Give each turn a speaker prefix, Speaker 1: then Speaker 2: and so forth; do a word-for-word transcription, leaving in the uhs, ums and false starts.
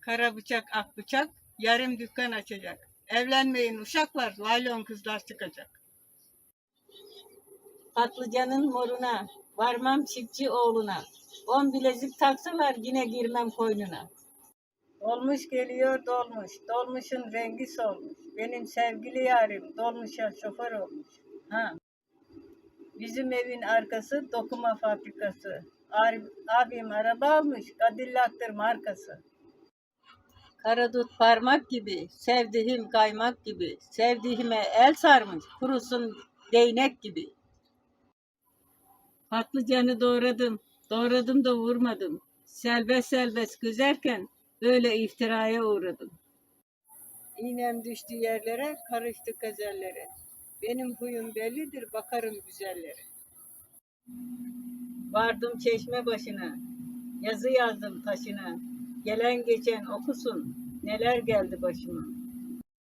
Speaker 1: Kara bıçak, ak bıçak, yarım dükkan açacak. Evlenmeyin uşaklar, laylon kızlar çıkacak.
Speaker 2: Patlıcanın moruna, varmam çiftçi oğluna. On bilezik taksalar yine girmem koynuna.
Speaker 1: Dolmuş geliyor dolmuş, dolmuşun rengi solmuş. Benim sevgili yarim dolmuşa şoför olmuş. Ha. Bizim evin arkası dokuma fabrikası. Abim araba almış, Cadillac'tır markası.
Speaker 2: Karadut parmak gibi, sevdiğim kaymak gibi. Sevdiğime el sarmış, kurusun değnek gibi. Patlıcanı doğradım, doğradım da vurmadım. Selbest selbest güzerken böyle iftiraya uğradım.
Speaker 1: İğnem düştü yerlere, karıştı gazellere. Benim huyum bellidir, bakarım güzellere.
Speaker 2: Vardım çeşme başına, yazı yazdım taşına. Gelen geçen okusun, neler geldi başıma.